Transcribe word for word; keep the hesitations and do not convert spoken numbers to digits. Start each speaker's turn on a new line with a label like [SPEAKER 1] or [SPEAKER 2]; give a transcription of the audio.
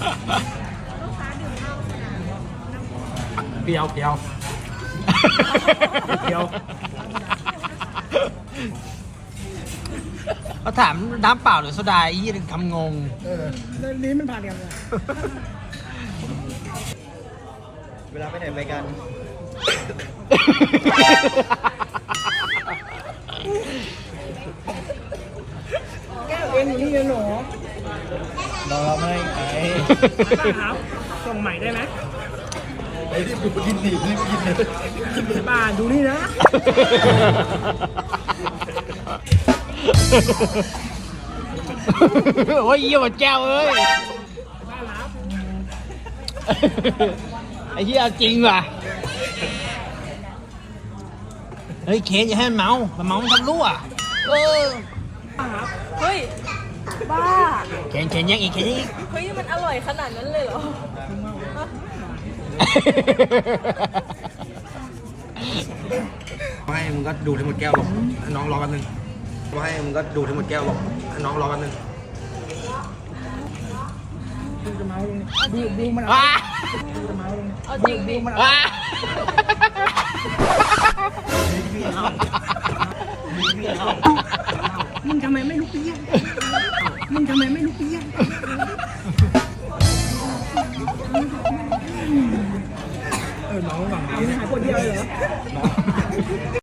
[SPEAKER 1] เปรี้ยวเปรี้ยวเปรี้ยวเขาถามน้ำเปล่าหรือโซดายี่ถึงคำงง
[SPEAKER 2] เออแล้วนี้มันผ่านกันเลย
[SPEAKER 3] เวลาไปไหนไปกัน
[SPEAKER 2] แก้วเอ็นอยู่นี่เลยหนู
[SPEAKER 3] รอไม่ไง
[SPEAKER 2] ครับส่งใหม่ได้ไหม
[SPEAKER 3] ไอ้ที่ดูกินดีนี่กินเลย
[SPEAKER 2] บ้าดูนี่นะ
[SPEAKER 1] โอ้ยเยี่ยมแก้วเอ้ย
[SPEAKER 2] บ้ารับ
[SPEAKER 1] ไอ้เหี้ยจริงว่ะเฮ้ยเคนอย่าให้มันเมามันเมามันทำรั่วเออ
[SPEAKER 4] เฮ้ย บ้า
[SPEAKER 1] เคนเคนยังอีกเคนยังอีก
[SPEAKER 4] เฮ้ย มันอร่อยขนาดนั้นเลยเหรอ
[SPEAKER 3] ให้มึงก็ดูทั้งหมดแก้วหรอกน้องรอแป๊บนึงให้มึงก็ดูทั้งหมดแก้วหรอกน้องรอแป๊บนึง
[SPEAKER 2] ดูจะเมาลงดูดูมัน
[SPEAKER 1] ว้า
[SPEAKER 2] ดูจะเมาลง
[SPEAKER 4] เอาจริงดิ
[SPEAKER 2] มัน
[SPEAKER 1] ว้า
[SPEAKER 2] มึงทำไมไม่ลุกไปเยี่ยมมึงทำไมไม่ลุกไปเยี่ยม